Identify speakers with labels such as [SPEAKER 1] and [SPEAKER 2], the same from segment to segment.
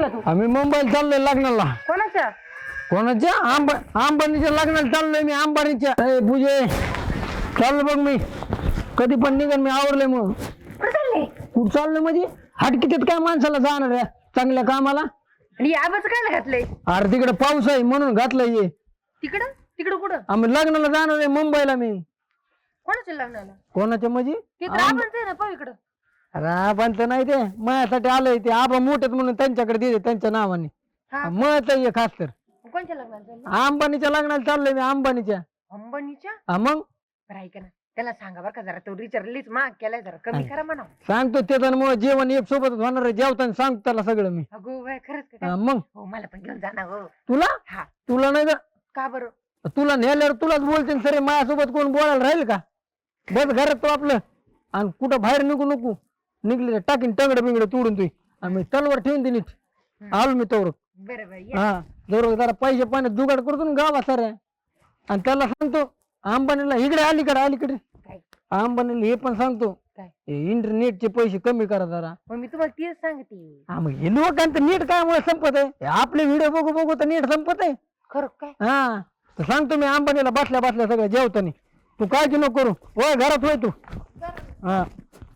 [SPEAKER 1] चालला तू?
[SPEAKER 2] आम्ही मुंबईला चाललोय लग्नाला.
[SPEAKER 1] कोणाच्या?
[SPEAKER 2] कोणाच्या? अंबानीच्या लग्नाला चाललोय मी. अंबानीच्या. पूजे चाललो बघ मी. कधी पण निघन मी. आवरले मग. कुठं चाललोय म्हणजे? हटकितीत काय माणसाला जाणार आहे चांगल्या कामाला?
[SPEAKER 1] आणि आबाच काय घातलंय?
[SPEAKER 2] अरे तिकडे पाऊस आहे म्हणून घातलंय हे.
[SPEAKER 1] तिकडं तिकडं कुठं?
[SPEAKER 2] आम्ही लग्नाला जाणार आहे मुंबईला मी.
[SPEAKER 1] कोणाच्या लग्नाला?
[SPEAKER 2] कोणाच्या म्हणजे?
[SPEAKER 1] ते तर आबाच आहे ना, पाहू इकडं.
[SPEAKER 2] अरे आबांचं नाही ते माझ्यासाठी आलंय. ते आबा मोठेत म्हणून त्यांच्याकडे दिले त्यांच्या नावाने.
[SPEAKER 1] हा.
[SPEAKER 2] मत आहे खास तर.
[SPEAKER 1] कोणच्या लग्नाला चाललं?
[SPEAKER 2] अंबानीच्या लग्नाला चाललोय मी. अंबानीच्या.
[SPEAKER 1] अंबानीच्या?
[SPEAKER 2] मग
[SPEAKER 1] बरं ऐका ना, त्याला सांगा बरं का जरा, तो रिचार्जलीच महाग केलाय, जरा कमी करा म्हणा.
[SPEAKER 2] सांगतो त्याच्यामुळे जेवण एक सोबतच होणार आहे. जेवताना सांगतो त्याला सगळं मी.
[SPEAKER 1] अगो बाय, खरंच का काय?
[SPEAKER 2] मग
[SPEAKER 1] हो, मला पण घेऊन जाणार हो.
[SPEAKER 2] तुला
[SPEAKER 1] हा.
[SPEAKER 2] तुला नाही का?
[SPEAKER 1] का बरं?
[SPEAKER 2] तुला नेल्यावर तुलाच बोलते सरे. माझ्यासोबत कोण बोलायला राहील का? बस घरात तो आपलं. आणि कुठं बाहेर निघू नको. निघले टाकीन टंगड बिंगड तोडून तुई. आम्ही तलवार ठेवून दिली. आलो मी तोवर.
[SPEAKER 1] बरं बरं, ये.
[SPEAKER 2] हा जरूर जरा पैसे पाण्यात जुगाड करतो ना गावा साऱ्या. आणि त्याला सांगतो अंबानीला इकडे अलीकडे
[SPEAKER 1] काय?
[SPEAKER 2] अंबानीला हे पण सांगतो
[SPEAKER 1] काय?
[SPEAKER 2] इंटरनेटचे पैसे कमी करा जरा.
[SPEAKER 1] मग मी तुम्हाला तेच सांगते.
[SPEAKER 2] हा मग हे लोकांचं नीट काय मुळे संपत आहे? हे आपले व्हिडिओ बघू बघू तर नीट संपत आहे.
[SPEAKER 1] खरं काय?
[SPEAKER 2] हा तर सांगतो मी अंबानीला बसल्या बसल्या सगळं जेवतानी. तू काळजी नको करू. होय घरात होय तू. हा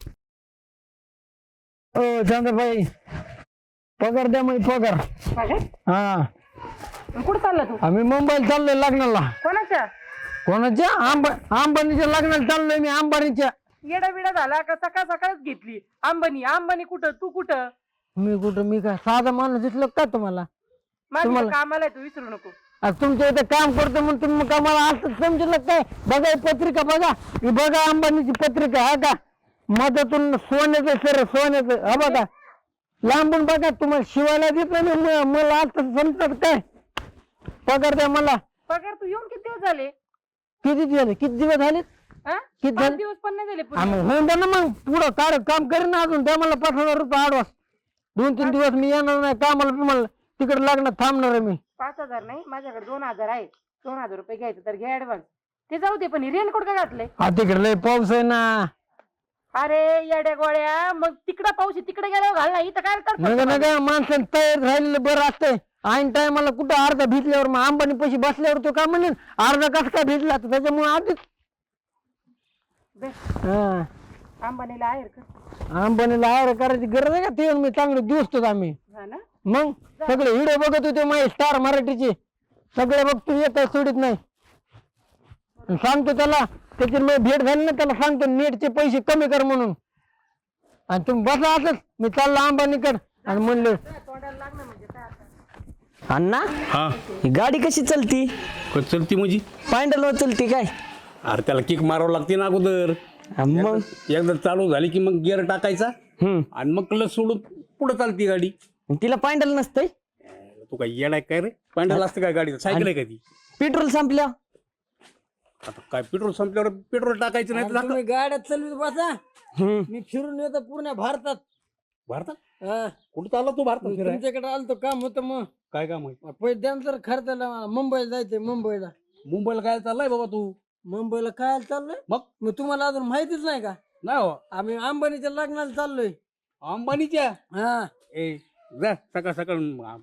[SPEAKER 2] ओ चंद्रभाई पगार द्या मग पगार. हा
[SPEAKER 1] कुठं चालला तू?
[SPEAKER 2] आम्ही मुंबईला चाललोय लग्नाला.
[SPEAKER 1] कोणाच्या?
[SPEAKER 2] कोणाच्या? अंबानीच्या लग्नाला चाललोय मी. अंबानीच्या.
[SPEAKER 1] येडा बिडा झाला का? सकाळ सकाळच घेतली अंबानी. अंबानी कुठं? तू कुठं?
[SPEAKER 2] मी कुठं? मी काय साधा माणूस दिसलो का तुम्हाला?
[SPEAKER 1] माझ्या कामाला आहे, तू विसरू नको.
[SPEAKER 2] तुमच्या इथे काम करतो म्हणून तुम्ही का मला असं समजलं काय? बघा ही पत्रिका बघा. ही बघा अंबानीची पत्रिका. हा का मधातून सोन्याचं सर सोन्याचं. हा बघा लांबून बघा. तुम्हाला शिवायला देत नाही मला आता समजत काय? पगार द्या मला.
[SPEAKER 1] पगार तू येऊन किती दिवस झाले?
[SPEAKER 2] किती दिवस झाले?
[SPEAKER 1] हा?
[SPEAKER 2] किती
[SPEAKER 1] 5
[SPEAKER 2] झाले?
[SPEAKER 1] दिवस पण नाही झाले पूर्ण.
[SPEAKER 2] आम्ही होऊन द्या ना मग. पुढं काम करेन ना अजून. द्या मला 5,000 रुपये आडवास. 2-3 दिवस मी येणार नाही कामाला. तुम्हाला तिकडे लग्नात थांबणार आहे मी.
[SPEAKER 1] 5,000 नाही, माझ्याकडे 2,000 आहे. 2,000 रुपये घ्यायचं तर घ्या ऍडव्हान्स. ते जाऊ दे, पण रेनकोट का घातलंय?
[SPEAKER 2] हा तिकडे लय पाऊस आहे ना.
[SPEAKER 1] अरे येड्या गोळ्या, मग तिकडं पाऊस तिकडे गेल्यावर घाल ना, इथं काय
[SPEAKER 2] नका
[SPEAKER 1] करतो?
[SPEAKER 2] नका माणसाने तयार राहिलेलं बरं असतंय. ऐन टायमाला कुठं अर्धा भिजल्यावर मग अंबानी पैसे बसल्यावर तो काय म्हणेन अर्धा कस काय भिजला तर त्याच्यामुळे आधीच.
[SPEAKER 1] बे,
[SPEAKER 2] हा
[SPEAKER 1] अंबानीला आहे का?
[SPEAKER 2] अंबानीला आयर करायची गरज आहे का? ते मी चांगलं दिवसतो आम्ही.
[SPEAKER 1] हा ना.
[SPEAKER 2] मग सगळे व्हिडिओ बघत होते माझे स्टार मराठीचे. सगळे बघतो येत सोडित नाही. सांगतो त्याला त्याची मी भेट झाली ना त्याला सांगतो नेटचे पैसे कमी कर म्हणून. आणि तुम्ही बसा असंच. मी चाललो अंबानीकडे आणि म्हणलं
[SPEAKER 1] तोंडाला लागणं म्हणजे काय आता?
[SPEAKER 3] अण्णा
[SPEAKER 4] हा
[SPEAKER 3] ही गाडी कशी चलती?
[SPEAKER 4] चलती म्हणजे?
[SPEAKER 3] पायंडलवर चलती काय?
[SPEAKER 4] अरे त्याला किक मारावं लागते ना अगोदर.
[SPEAKER 3] मग
[SPEAKER 4] एकदा चालू झाली की मग गिअर टाकायचा आणि मग क्लच सोडून पुढे चालती गाडी.
[SPEAKER 3] तिला पायंडल नसतंय?
[SPEAKER 4] तू काय येणार काय रे? पॅन्डल असतं काय गाडी? सायकल आहे का ती?
[SPEAKER 3] पेट्रोल संपल्या?
[SPEAKER 4] आता काय पेट्रोल संपल्यावर पेट्रोल टाकायचं नाही तर
[SPEAKER 2] तुम्ही गाड्यात चालवीत बसा.
[SPEAKER 3] हम्म.
[SPEAKER 2] मी फिरून येतो पूर्ण भारतात.
[SPEAKER 4] भारतात
[SPEAKER 2] हा.
[SPEAKER 4] कुठं चालला तू भारतात फिरायला?
[SPEAKER 2] तुमच्याकडे आलतो काम होतं मग
[SPEAKER 4] काय काम आहे?
[SPEAKER 2] पैसे द्या तर खर्चाला मुंबईला जायचंय. मुंबईला
[SPEAKER 4] काय चाललाय बाबा तू?
[SPEAKER 2] मुंबईला काय चाललोय?
[SPEAKER 4] मग
[SPEAKER 2] तुम्हाला अजून माहितीच नाही का?
[SPEAKER 4] नाही हो
[SPEAKER 2] आम्ही अंबानीच्या लग्नाला चाललोय.
[SPEAKER 4] अंबानीच्या.
[SPEAKER 2] हा
[SPEAKER 4] ए जा सकाळ सकाळ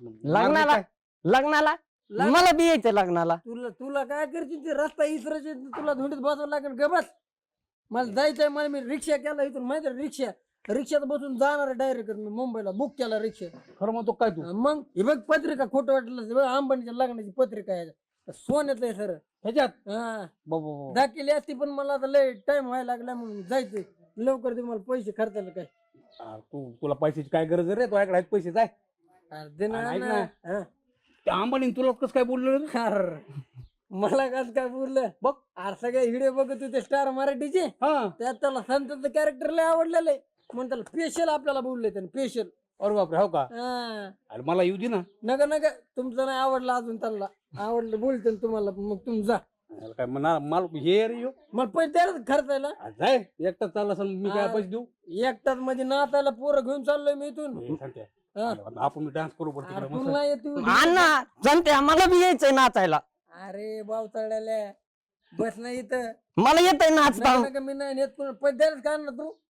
[SPEAKER 3] लग्नाला मला बी यायचं लग्नाला.
[SPEAKER 2] तुला तुला काय करशील? ते रस्ता इसरायचे तुला धुंडीत बसावं लागेल. ग बस. मला जायचंय. मला मी रिक्षा केला इथून माहिती रिक्षात बसून जाणार आहे डायरेक्ट. मी मुंबईला बुक केला रिक्षा.
[SPEAKER 4] खरं म्हणतो काय तू?
[SPEAKER 2] मग हे बघ पत्रिका खोटं वाटलं. अंबानीच्या लग्नाची पत्रिका आहे. सोन्याचं आहे सर.
[SPEAKER 4] ह्याच्यात
[SPEAKER 2] हा
[SPEAKER 4] बाबा
[SPEAKER 2] दाखिली असती पण मला आता लय टाइम व्हायला लागला म्हणून जायचंय लवकर. दे मला पैसे खर्चायला काय.
[SPEAKER 4] तुला पैशाची काय गरज आहे रे? तुझ्याकडे आहेत पैसे जाय.
[SPEAKER 2] अर्धे ना
[SPEAKER 4] ऐक
[SPEAKER 2] ना.
[SPEAKER 4] ना.
[SPEAKER 2] हा.
[SPEAKER 4] त्या अंबानी तुला कसं काय बोललं रे?
[SPEAKER 2] अरे, मला कसं काय बोललं बघ. अरे सगळे व्हिडिओ बघत होते स्टार मराठीचे.
[SPEAKER 4] हा
[SPEAKER 2] त्यात त्याला संतांचं कॅरेक्टर लय आवडलेलं आहे म्हणून त्याला स्पेशल आपल्याला बोलले त्याने स्पेशल.
[SPEAKER 4] अरे बापरे हो का? अरे मला येऊ दे ना.
[SPEAKER 2] नका नका तुमचं नाही आवडलं अजून. त्याला आवडलं बोलते ना तुम्हाला. मग तुम्ही जा.
[SPEAKER 4] अरे काय म्हणा मला हे रे यो.
[SPEAKER 2] मला पैसे द्यायला खर्चायला.
[SPEAKER 4] जाय एकटाच चालला असेल मी काय पैसे देऊ?
[SPEAKER 2] एकटाच म्हणजे नाचायला पोरं घेऊन चाललोय मी इथून.
[SPEAKER 4] हे सांगते.
[SPEAKER 2] हा.
[SPEAKER 4] आपण डान्स करू पडतो
[SPEAKER 2] अरे
[SPEAKER 4] तिकडे
[SPEAKER 2] तू
[SPEAKER 4] मस्त.
[SPEAKER 2] नाही येत तू.
[SPEAKER 3] अण्णा जमते मला बी यायचंय नाचायला.
[SPEAKER 2] अरे बाव चढायला बस नाही इथं.
[SPEAKER 3] मला येतंय नाचता.
[SPEAKER 2] नका नका मी नाही नेत. पैसे द्यायला काय ना तू.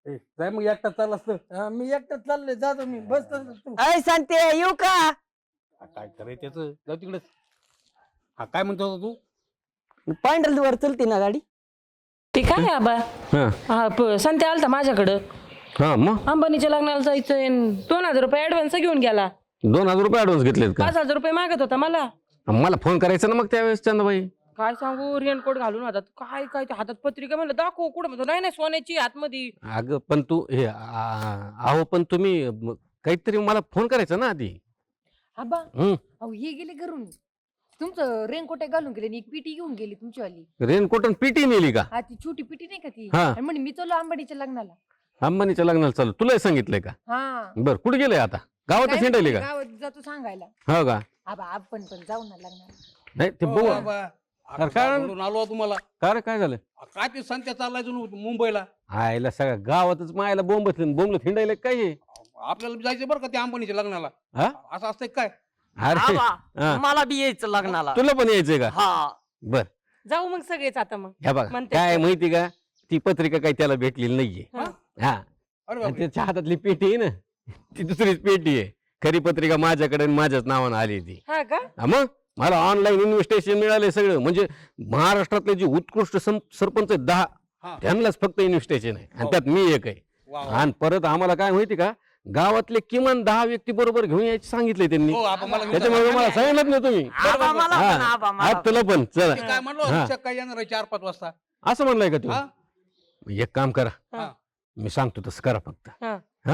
[SPEAKER 4] ए, जाय मग एकटा चालला असतं.
[SPEAKER 2] हा, मी एकटाच चाललोय जातो मी बस तू
[SPEAKER 3] अय सांगते येऊ का
[SPEAKER 4] काय करायचं त्याचं, जाऊ तिकडेच. हा काय म्हणतो होता तू?
[SPEAKER 3] पॅन्डल वर चलते ना गाडी
[SPEAKER 5] ते काय आहे आबा
[SPEAKER 6] हा
[SPEAKER 5] संत्या आलता माझ्याकडं
[SPEAKER 6] हा मग
[SPEAKER 5] अंबानीच्या लग्नाला जायचंय 2000 रुपये ऍडव्हान्स घेऊन गेला
[SPEAKER 6] 2000 रुपये ऍडव्हान्स घेतलेत का
[SPEAKER 5] 5000 रुपये मागत होता मला
[SPEAKER 6] मला फोन करायचा ना मग त्यावेळेस चंदाबाई
[SPEAKER 5] काय सांगू रेनकोट घालून हातात काय ते हातात पत्रिका म्हणलं दाखव कुठं म्हणतो नाही सोन्याची हातमध्ये
[SPEAKER 6] अगं पण तू हे अहो पण तुम्ही काहीतरी मला फोन करायचा ना आधी
[SPEAKER 1] आबा
[SPEAKER 6] हम्म
[SPEAKER 1] अहो हे गेले घरून तुमचं रेनकोट घालून गेले आणि एक पिटी घेऊन गेली तुमचीवाली.
[SPEAKER 6] रेनकोट आणि पीटी नेली का
[SPEAKER 1] हा ती छोटी पिटी नाही का ती
[SPEAKER 6] हा.
[SPEAKER 1] आणि म्हणे मी चाललो अंबानीच्या लग्नाला.
[SPEAKER 6] अंबानीच्या लग्नाला चालू तुला सांगितलंय का
[SPEAKER 1] हा
[SPEAKER 6] बर कुठे गेलंय आता गावातच
[SPEAKER 1] काय
[SPEAKER 6] हिंडायले
[SPEAKER 1] नाही,
[SPEAKER 6] का
[SPEAKER 1] गावात जातो सांगायला.
[SPEAKER 6] हो का
[SPEAKER 1] आबा आपण पण जाऊ ना लग्नाला.
[SPEAKER 6] नाही ते
[SPEAKER 4] हो
[SPEAKER 6] बघू
[SPEAKER 4] बाबा, आता
[SPEAKER 6] काय-
[SPEAKER 4] बोलून आलो तुम्हाला.
[SPEAKER 6] काय रे, काय झालं
[SPEAKER 4] काय ते संत्या चाललाय मुंबईला.
[SPEAKER 6] आयला सगळ्या गावातच मायला बोंबलं हिंडायला काय हे?
[SPEAKER 4] आपल्याला जायचं बरं का त्या अंबानीच्या लग्नाला.
[SPEAKER 6] हा?
[SPEAKER 4] असं असतंय काय?
[SPEAKER 6] अरे
[SPEAKER 3] आबा,
[SPEAKER 6] हा.
[SPEAKER 3] मला बी यायचं लग्नाला
[SPEAKER 6] तुला पण यायचंय का
[SPEAKER 3] हा
[SPEAKER 6] बर
[SPEAKER 5] जाऊ मग सगळेच आता मग
[SPEAKER 6] ह्या बघा
[SPEAKER 5] म्हणते
[SPEAKER 6] काय
[SPEAKER 5] तर.
[SPEAKER 6] माहिती का ती पत्रिका काही त्याला भेटलेली नाहीये
[SPEAKER 5] हा.
[SPEAKER 6] हा
[SPEAKER 4] अरे
[SPEAKER 6] आणि
[SPEAKER 4] बापरे.
[SPEAKER 6] त्याच्या हातातली पेटी आहे ना ती दुसरीच पेटी आहे खरी पत्रिका माझ्याकडे आणि माझ्याच नावानं आली ती
[SPEAKER 5] हा का
[SPEAKER 6] हा मग मला ऑनलाईन इन्व्हिटेशन मिळाले सगळं म्हणजे महाराष्ट्रातले जे उत्कृष्ट सरपंच आहेत 10
[SPEAKER 4] हा.
[SPEAKER 6] त्यांनाच फक्त इन्व्हिटेशन आहे आणि
[SPEAKER 4] हो.
[SPEAKER 6] त्यात मी एक आहे
[SPEAKER 4] वा, वा.
[SPEAKER 6] आणि परत आम्हाला काय माहिती का गावातले किमान 10 व्यक्ती बरोबर घेऊन यायचे सांगितले त्यांनी
[SPEAKER 4] हो, आपण मला
[SPEAKER 6] त्याच्यामुळे मला सांगितलं ना तुम्ही
[SPEAKER 3] आबा, मला
[SPEAKER 6] हा.
[SPEAKER 3] पण, आबा, मला
[SPEAKER 6] हा, तुला पण चला
[SPEAKER 4] ते काय म्हणलो
[SPEAKER 6] हा.
[SPEAKER 4] रिक्षा काय येणार आहे 4-5 वाजता.
[SPEAKER 6] असं म्हणलंय का तू
[SPEAKER 4] हा?
[SPEAKER 6] एक काम करा
[SPEAKER 4] हा.
[SPEAKER 6] मी सांगतो तसं करा फक्त
[SPEAKER 5] हा.
[SPEAKER 6] हा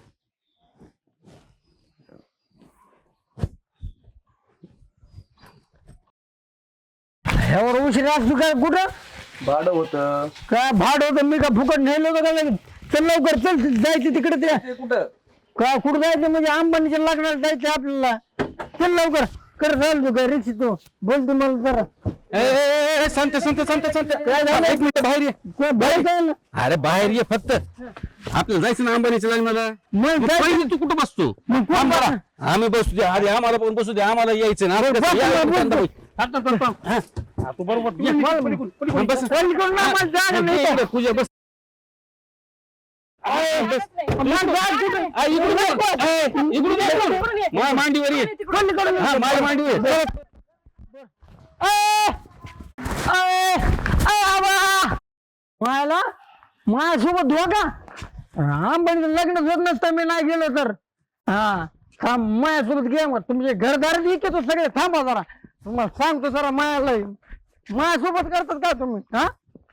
[SPEAKER 2] ह्यावर उशीर असतो काय कुठं
[SPEAKER 7] भाडं होतं
[SPEAKER 2] काय भाड होतं मी का फुकट नेलं होतं का लगेच? चल लवकर चल जायचं तिकडे ते
[SPEAKER 7] ते कुठं
[SPEAKER 2] का कुठं जायचं म्हणजे अंबानीच्या लग्नाला जायचं आपल्याला चल लवकर कर चाल तू काय रिक्षा तू बोल तुम्हाला जरा
[SPEAKER 6] सांगते
[SPEAKER 2] काय झालं?
[SPEAKER 6] एक मिनिट बाहेर ये
[SPEAKER 2] कोण बाहेर जायला
[SPEAKER 6] अरे बाहेर ये फक्त आपल्याला जायचं ना अंबानीच्या लग्नाला
[SPEAKER 2] मग
[SPEAKER 6] मग
[SPEAKER 2] जायचं.
[SPEAKER 6] पहिले तू कुठं बसतो
[SPEAKER 2] मग कोण
[SPEAKER 6] आम्हाला
[SPEAKER 2] बसणार?
[SPEAKER 6] आम्ही बसू दे आधी आम्हाला पण बसू दे आम्हाला यायचं ना आपण कसं-
[SPEAKER 2] बस,
[SPEAKER 6] या,
[SPEAKER 2] बस,
[SPEAKER 6] चंदाबाई.
[SPEAKER 2] बस.
[SPEAKER 6] हा,
[SPEAKER 4] तू बरोबर
[SPEAKER 6] मग बस.
[SPEAKER 2] चल इकडून ना, मला जागा नाही.
[SPEAKER 6] इकडे, पूजा बस
[SPEAKER 2] मला जागा कुठं?
[SPEAKER 6] इकडून ये. इकडून ये. माझ्या मांडीवर ये हा माझ्या मांडीवर ये.
[SPEAKER 2] मला माझ्यासोबत धोका अंबानीचं लग्न होत नसतं मी नाही गेलो तर हा थांब माझ्यासोबत घे मग तुमचे घरदार येतो सगळे थांबा जरा तुम्हाला सांगतो जरा माझ्याला माझ्यासोबत करतात का तुम्ही हा